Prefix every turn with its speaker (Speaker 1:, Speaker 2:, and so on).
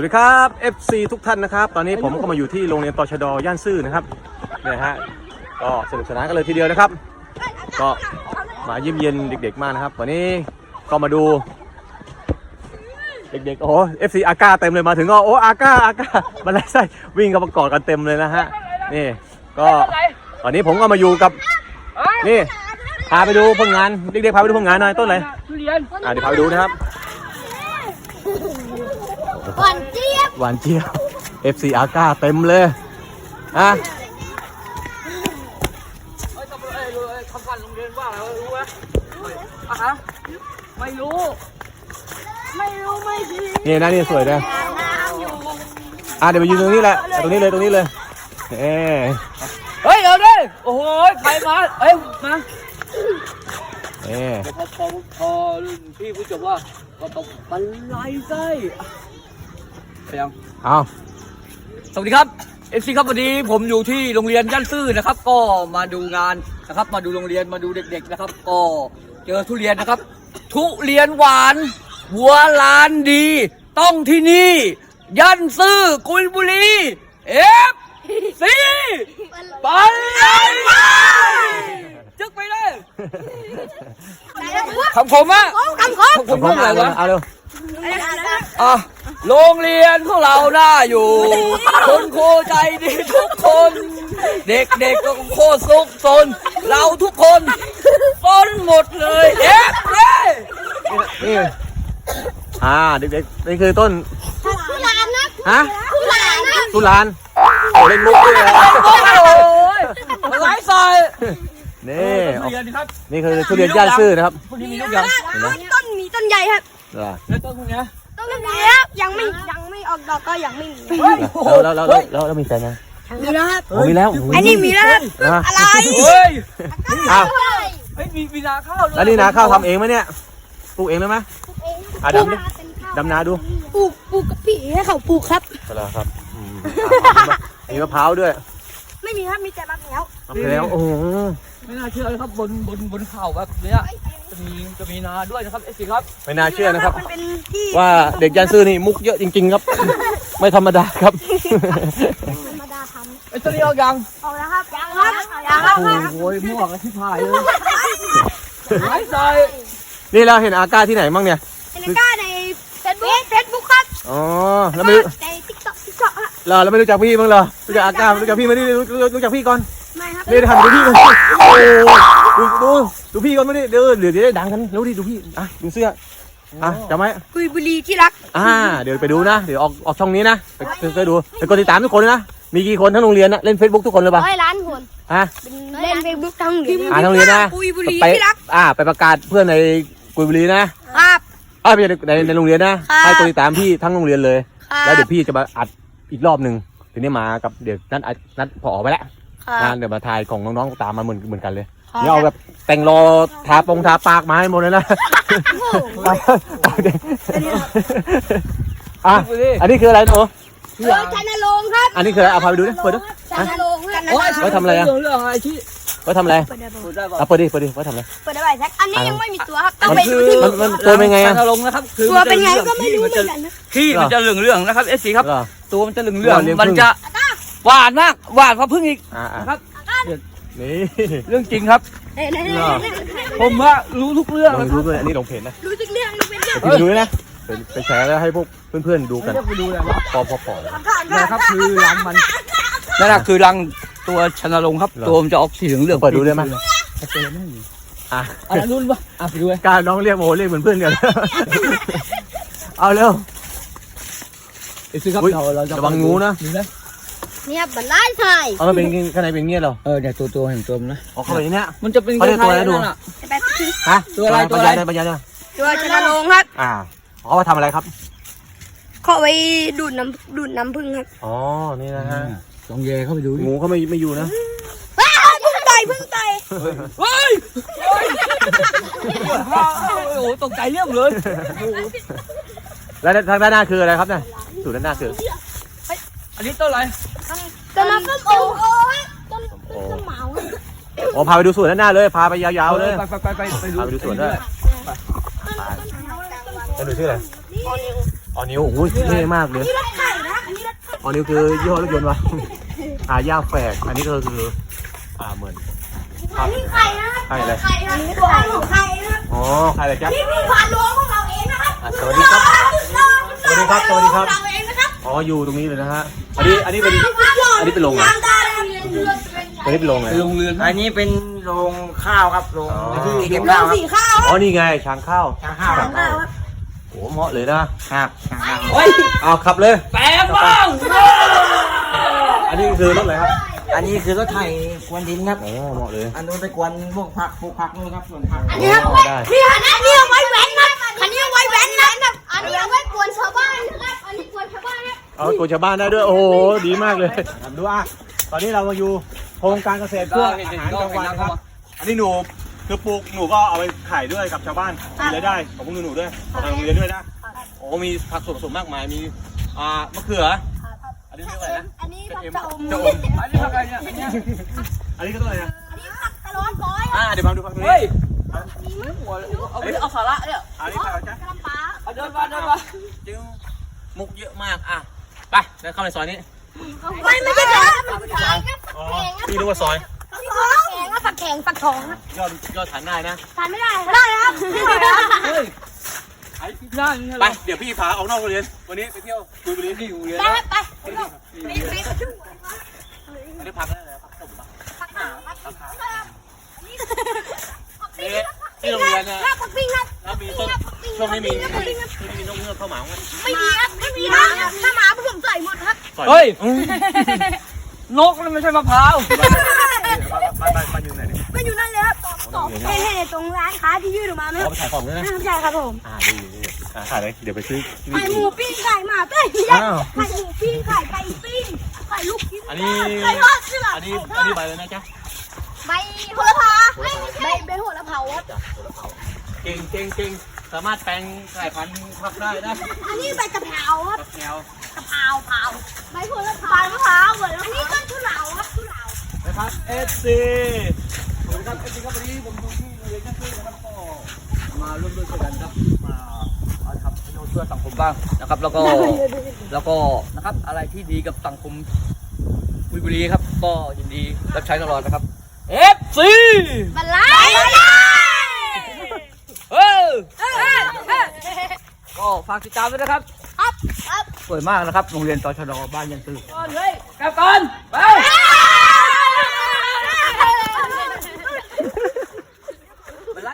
Speaker 1: วัสดีครับ FC ทุกท่านนะครับตอนนี้ผมก็มาอยู่ที่โรงเรียนตชด.ย่านซื่อนะครับเนี่ยฮะก็สนุกสนานกันเลยทีเดียวนะครับก็มาเยี่ยมเยียนเด็กๆมากนะครับวันนี้ก็มาดูเด็กๆโอ้ FC อาก้าเต็มเลยมาถึงก็โอ้อาก้ามาเลยใช่วิ่งกันประกอบกันเต็มเลยนะฮะนี่ก็ตอนนี้ผมก็มาอยู่กับนี่พาไปดูผลงานเด็กๆพาไปดูผลงานหน่อยต้นอะไรเดี๋ยวพาไปดูนะครับ
Speaker 2: หวานเจี๊ยบ
Speaker 1: FC อาก้าเต็มเลยฮะ
Speaker 3: คำสั่งโรงเรียนว่าอะไรรู้ไหมไม่รู้
Speaker 1: นี่นะนี่สวยนะเดี๋ยวไปยืนตรงนี้แหละตรงนี้เลย
Speaker 3: เฮ้ยเดี๋ยวดิโอ้โหใครมามาพอพี่ผู้จบว่าก็ต้องบรรลัยไส้ไปยังสวัสดีครับFCครับวันนี้ผมอยู่ที่โรงเรียนย่านซื่อนะครับก็มาดูงานนะครับมาดูโรงเรียนมาดูเด็กๆนะครับก็เจอทุเรียนนะครับทุเรียนหวานหัวลานดีต้องที่นี่ย่านซื่อกุยบุรีFC บรรลัยจึกไปเลยคำผมอะคำผมอะไรวะ
Speaker 1: เอาเร็ว
Speaker 3: โรงเรียนของเราน่าอยู่คุณครูใจดีทุกคนเด็กๆก็โคตรสุขสนเราทุกคนต้นหมดเลย
Speaker 1: นี่เด็กๆนี่คือต้น
Speaker 2: สุรานนะ
Speaker 1: สุรานเล่นมุกด้วยนะ
Speaker 3: ไร้สาย
Speaker 1: นี่นี่คือทุเรียนย่านซื่อนะครับ
Speaker 3: พวกนี้มีลูกยัง
Speaker 2: มีต้นใหญ่ครับ
Speaker 3: แล้วต้นพวกนี้
Speaker 2: ต้นนี้ยังไม่ออกดอกก็ยังไม่มี
Speaker 1: แล้วมีแฟนยัง
Speaker 2: มีแล้วครับ
Speaker 1: มีแล้ว
Speaker 2: อันนี้มีแล้วอะไร
Speaker 3: มีนาข้าว
Speaker 1: แล้วนี่นาข้าวทำเองไหมเนี่ยปลูกเองเลยไหมดำนาดู
Speaker 2: ปลูกกับพี่ให้เขาปลูกครับ
Speaker 1: ครับมีมะพร้าวด้วย
Speaker 2: ไม่มีครับมีแต่มะพร้าว
Speaker 1: โอ้โห
Speaker 3: ไม่น่าเชื่อเลยครับบนเขาแบบนี้จะมีนาด้วยนะครับสิครับ
Speaker 1: ไม่น่าเชื่อนะครับว่าเด็กย่านซื่อนี่มุกเยอะจริงๆครับไม่ธรรมดาครับ
Speaker 2: ธรรมดาทำ
Speaker 3: ต้นนี้เอายัง
Speaker 2: ออกแล้วครับยังครับ
Speaker 3: โอ้ยมั่วกันที่พายเลยไร้ใจ
Speaker 1: นี่เราเห็นอาก้าที่ไหนบ้างเนี่ย
Speaker 2: อาก้าในเฟซบุ๊กครับ
Speaker 1: แล้วไม่
Speaker 2: ในติ๊กต็อก
Speaker 1: เราไม่รู้จักพี่บ้างเหรอรู้จักอาก้ารู้จักพี่มาดิรู้จักพี่ก่อน
Speaker 2: ไม่ครับ
Speaker 1: นี่ทำดูพี่ก่อนดูพี่ก่อนไม่ได้เดี๋ยวได้ดังกันรู้ดิดูพี่ดูเสื้อจำไหม
Speaker 2: กุยบุรีที่รัก
Speaker 1: เดี๋ยวไปดูนะเดี๋ยวออกช่องนี้นะไปดูไปกดติดตามทุกคนนะมีกี่คนทั้งโรงเรียนนะเล่น Facebook ทุกคนเลยป่ะ
Speaker 2: 100 ล้านคนเล่น Facebook ทั้งโรงเรียน
Speaker 1: ทั้งโรงเรียนนะ
Speaker 2: กุยบุรีที่รัก
Speaker 1: ไปประกาศเพื่อนในกุยบุรีนะครับไม่ใช่ในโรงเรียนนะให้กดติดตามพี่ทั้งโรงเรียนเลยแล้วเดี๋ยวพี่จะมาอัดอีกรอบหนึ่งทีนี้มากับเดี๋ยวนัดผอไปแล้วเดี๋ยวมาถ่ายของน้องๆตามมาเหมือนกันเลยเนี่ยเอาแบบแต่งรอทาปากมาให้หมดเลยนะอันนี้คืออะไรโอ้
Speaker 2: ชันโรงครับ
Speaker 1: อันนี้คืออะไรพาไปดูดิเปิดดู
Speaker 2: ชันโรง
Speaker 1: ไว้ทำอะไรไว้ทำอะไรเปิดดิไว้ทำอะไร
Speaker 2: เปิดได้ไหมแท็กอันนี้ยังไม่มีตัวครับต้องไปดูที่
Speaker 1: มันตัวเป็นไง
Speaker 3: ชันโรงนะครับคือ
Speaker 2: ตัวเป็นไงก็ไม่รู้เหมือนกันนะ
Speaker 3: ขี้มันจะเหลืองๆนะครับFCครับตัวมันจะเหลืองๆมันจะหวานมากหวานกว่าพึ่งอีกครับ
Speaker 1: นี่
Speaker 3: เรื่องจริงครับผมว่ารู้ทุกเรื่อง
Speaker 1: รู้ด้วยอันนี้ลงเพจนะ
Speaker 2: รู้ทุกเรื่อง
Speaker 1: ดูนะไปแชร์แล้วให้พวกเพื่อนๆดูกัน
Speaker 3: ไปดูเลยว่า
Speaker 1: พอ
Speaker 3: นะครับคือรังมันนั่นแหละคือรังตัวชนรงครับตัวมันจะออกสีเหลือง
Speaker 1: เปิดดูได้ไหม
Speaker 3: รุ่นวะไปดู
Speaker 1: การน้องเรียกโมเรียกเหมือนเพื่อนกันเอาเร็ว
Speaker 3: ครับเราจะ
Speaker 1: ระวังงูนะ
Speaker 2: เนี่ยบันไดไทย
Speaker 1: มันเป็นข้างในเป็นเงี้ยเหรอ
Speaker 3: เนี่ยตัวเห็นตัวนะ
Speaker 1: เข้าไปเนี้ย
Speaker 3: มันจะเป็น
Speaker 1: ตัวอะไรดู
Speaker 3: ตัวอะไร
Speaker 1: ตัว
Speaker 2: ชนโรงครับ
Speaker 1: เขามาทำอะไรครับ
Speaker 2: เขาไปดูดน้ำผึ้งครับ
Speaker 1: นี่นะฮะ
Speaker 3: ลองแย่เข้าไปดู
Speaker 1: งูเขาไม่อยู่นะ
Speaker 2: พึ่งต่อย
Speaker 3: เฮ้ยโอ้ตกใจเรื่องเลย
Speaker 1: แล้วทางด้านหน้าคืออะไรครับเนี่ยสูตรด้านหน้าคือ
Speaker 3: อันนี้ต้นอะไร
Speaker 2: ต้นน้ำส้มโอต้นเหมา
Speaker 1: พาไปดูสวนด้านหน้าเลยพาไปยาวๆเลย
Speaker 3: ไป
Speaker 1: ดูสวนด้วยไปดูชื่ออะไรอ๋อนิวโอ้ยเท่มากเลย
Speaker 2: นี่รถไข่นะอันนี้รถ
Speaker 1: อ๋อนิวคือยี่ห้อรถยนต์วะ ย่าแฝกอันนี้ก็คือเหมือน
Speaker 2: อันนี้ไข่นะ
Speaker 1: ไข่อะไร
Speaker 2: ไข่นะตัวของไข่นะ
Speaker 1: อ๋อไข่อะไรจ๊ะ
Speaker 2: นี่ผ่านรั้วของเราเองนะครับ
Speaker 1: สวัสดีครับ สวัสดีครับ สวัสดีครับ
Speaker 2: เราเองนะครับ
Speaker 1: อ๋ออยู่ตรงนี้เลยนะฮะอันนี้เป็นอันนี้เป็นโรงงาน
Speaker 2: น้ำได้เลย
Speaker 1: อันนี้เป็นโรงไง
Speaker 3: ไปโรงเรือน
Speaker 4: อันนี้เป็นโรงข้าวครับโรง
Speaker 1: อ๋อ
Speaker 4: ที่เก็บ
Speaker 2: เรา
Speaker 4: ข้าวครับ
Speaker 2: สีข้าว
Speaker 1: อ๋อนี่ไงช้างข้าว
Speaker 4: ช้างข้าวครับ
Speaker 1: โอ้เหมาะเลยนะครับ
Speaker 4: ช้างข้าว
Speaker 3: เฮ้ย
Speaker 1: เอาขับเลย
Speaker 3: แปลงบ้าง
Speaker 1: อันนี้คือรถอะไรครับ
Speaker 4: อันนี้คือรถไถกวนดินครับ
Speaker 1: โอ้เหมาะเลย
Speaker 4: อันนู้นไปกวนพวกผักปลูกผักนู่นครับส่วนผัก
Speaker 2: อันนี้ครับ
Speaker 1: ได้
Speaker 2: นี่อันนี้เอาไว้แว้นนะอันนี้เอาไว้แว้นนะอันนี้เอาไว้กวนชาวบ้านนะครับอันนี้กวนชาวบ้านนะ
Speaker 1: เอาตัวชาวบ้านได้ด้วย โอ้โห ดีมากเลยดูตอนนี้เรามาอยู่โครงการเกษตรเพื่ออาหารกลางวันครับ อันนี้หนูคือปลูกหนูก็เอาไปขายด้วยกับชาวบ้านมีรายได้ของพวกหนูด้วยของทางโรงเรียนด้วยนะ โอ้มีผักสดผสมมากมาย มีมะเขือ อันนี้เรียกว่าอะไรนะ
Speaker 2: อันนี้ผัก
Speaker 1: เอ็ม
Speaker 2: จะอม
Speaker 1: จะอม
Speaker 3: อันนี้อะไรเนี่ยอันเนี้ย
Speaker 1: อันนี้ก็ต้นอะไรนะ
Speaker 2: อันนี้ผักตะลอนก้อย
Speaker 1: เดี๋ยวมาดูผักตรงนี้
Speaker 3: เฮ้ยเอาสาระเนี่ย
Speaker 1: อันนี้ผักอะไรจ๊ะ
Speaker 2: กระป๋า
Speaker 3: เอาเดินมา
Speaker 1: จึงมุกเยอะมากไปเดินเข้าในซอยนี้
Speaker 2: ไม่ใช่ครับมันคือแกงครับ
Speaker 1: อ๋อพี่รู้ว่าซอย
Speaker 2: ผักแข็งผักทองครับ
Speaker 1: ยอดฐานได้นะ
Speaker 2: ทานไม่ได้ได้ครับไม่ได้ครับ
Speaker 3: เฮ้ยไอ้นั่น
Speaker 1: ไป เดี๋ยวพี่พาออกนอกโรงเรียน วันนี้ไปเที่ยวกุยบุรี
Speaker 3: ที่อยู่เรียน
Speaker 2: ได้
Speaker 3: นะครับ
Speaker 2: ไปไป
Speaker 1: อันนี้พักได้เลยพักตบปะ
Speaker 2: ผักขาวครับ
Speaker 1: ที่โรงเรียนเนี่ย
Speaker 2: ผักปิ้งครับ
Speaker 1: แล้วมีต้นช่วงนี้มีนกเงือกเข้าหมาไหม
Speaker 2: ไม่มีครับไม่มีครับถ้าหมาผมใส่หมดครับ
Speaker 3: เฮ้ยนกนั่นไม่ใช่มะพร้าว
Speaker 1: บ้านอยู่ไหนเนี่ย
Speaker 2: ก็อยู่นั่นเลยครับเห็นตรงร้านค้าที่ยื่นออกมาไหม
Speaker 1: เอาไปขายของด้วยนะ
Speaker 2: ใช่ครับผม
Speaker 1: ดีขายเลยเดี๋ยวไปซื้อ
Speaker 2: ไข่หมูปิ้งไข่หมาปิ้งไข่หมูปิ้งไข่ไก่ปิ้งไข่ลูกชิ้น
Speaker 1: อันนี้
Speaker 2: ไข่ทอดใช่ไหม
Speaker 1: อันนี้ใบเลยนะจ๊ะ
Speaker 2: ใบโหระพาใบโหระพาครับ
Speaker 1: เก่งสามารถแปลงสายพันธุ์ผักได้นะ
Speaker 2: อันนี้ใบกะเพราครับ
Speaker 1: ผักแก้ว
Speaker 2: กะเพราเผาใบโหระพามะพร้าวเหมือนอันนี้ต้นทุเหลาครับทุเหลา
Speaker 1: นะครับ SC
Speaker 3: สวัสดีครับวันนี้ผมอยู่ที่โรงเรียนยักษ์ซื่อนะครับก็มาร่วมด้วยช่วยกันครับมาทำประโยชน์เพื่อสังคมบ้างนะครับ แล้วก็นะครับอะไรที่ดีกับสังคมกุยบุรีครับก็ยินดีรับใช้ตลอดนะครับ FC
Speaker 2: บัลไล
Speaker 3: เออก็ฝากติดตามด้วยนะครับ
Speaker 2: ครับ
Speaker 3: สวยมากนะครับโรงเรียนตชดบ้านยันตื้อก่อนเลยกลับก่อนไป